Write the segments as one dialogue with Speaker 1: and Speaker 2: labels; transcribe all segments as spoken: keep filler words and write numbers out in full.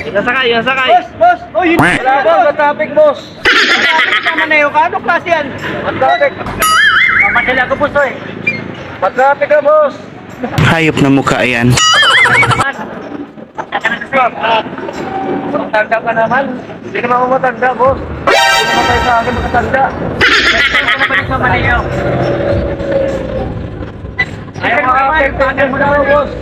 Speaker 1: Nasakay, nasakay.
Speaker 2: Boss, boss! Oh, yun!
Speaker 1: Wala boss, sa traffic boss.
Speaker 2: Maneho ka? Ano klase yan?
Speaker 1: Matraffic.
Speaker 2: Mamadala ko, boss, eh.
Speaker 1: Matraffic ka boss.
Speaker 3: Hayop na mukha yan.
Speaker 1: Matanda ka naman. Hindi naman ako matanda boss. Hindi naman tayo sa akin makatanda.
Speaker 2: Bumalik sa Maneho.
Speaker 1: Ayaw makakapagpagan mo na ako boss.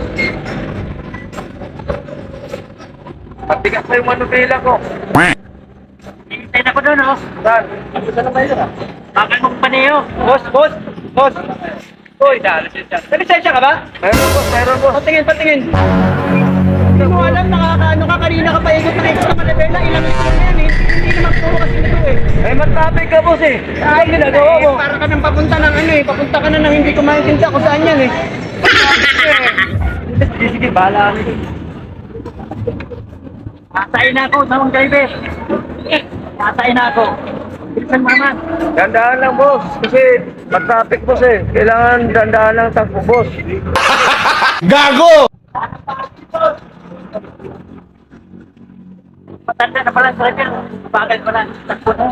Speaker 1: Patigas na yung manubila ko.
Speaker 2: Hintay na ko doon, oh.
Speaker 1: Saan? Saan na tayo na?
Speaker 2: Bakal mong Maneho.
Speaker 1: Boss, boss, boss.
Speaker 2: Uy, nalisensya ka ba?
Speaker 1: Meron boss, meron boss.
Speaker 2: Patingin, patingin. Hindi mo alam, nakakaano ka, kanina ka pa ikot na ikot sa Manibela, ilang ito na yan, eh. Hindi naman puro kasi nito, eh.
Speaker 1: Eh, matraffic ka boss eh.
Speaker 2: Ay, ginagawa mo. Para ka nang papunta ng ano, eh. Papunta ka na nang hindi ko maintindihan kung saan yan, eh.
Speaker 1: Sige, sige, bahala kami.
Speaker 2: Masain na ako, tamang driver. Masain na ako. Bilisan mo naman.
Speaker 1: Dandaan lang boss. Kasi matraffic boss eh. Kailangan dandaan lang takbo boss.
Speaker 3: Gago!
Speaker 2: Matanda na pala sa driver. Bagal ko na. Takbo na.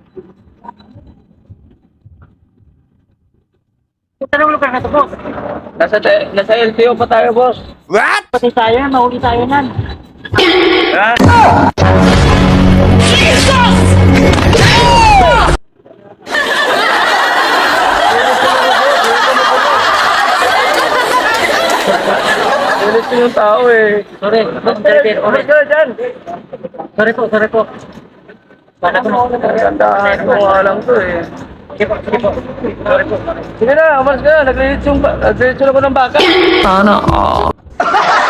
Speaker 2: Tanong lugar na ito, boss.
Speaker 1: Nasa, nasa L T O pa tayo boss.
Speaker 3: What?
Speaker 2: Pati tayo, mahuli tayo nan.
Speaker 1: Ha? Bilis yung tao eh.
Speaker 2: Sorry, boss, driver.
Speaker 1: Ulit ka na dyan.
Speaker 2: Sorry po, sorry po. Bala ko na.
Speaker 1: Dandaan ko nga lang to eh.
Speaker 2: Sige po, sige po. Sorry po.
Speaker 1: Sige na, umalis ka na. Naglilitsong ba- naglilitsong ako ng baka.
Speaker 3: Sana all.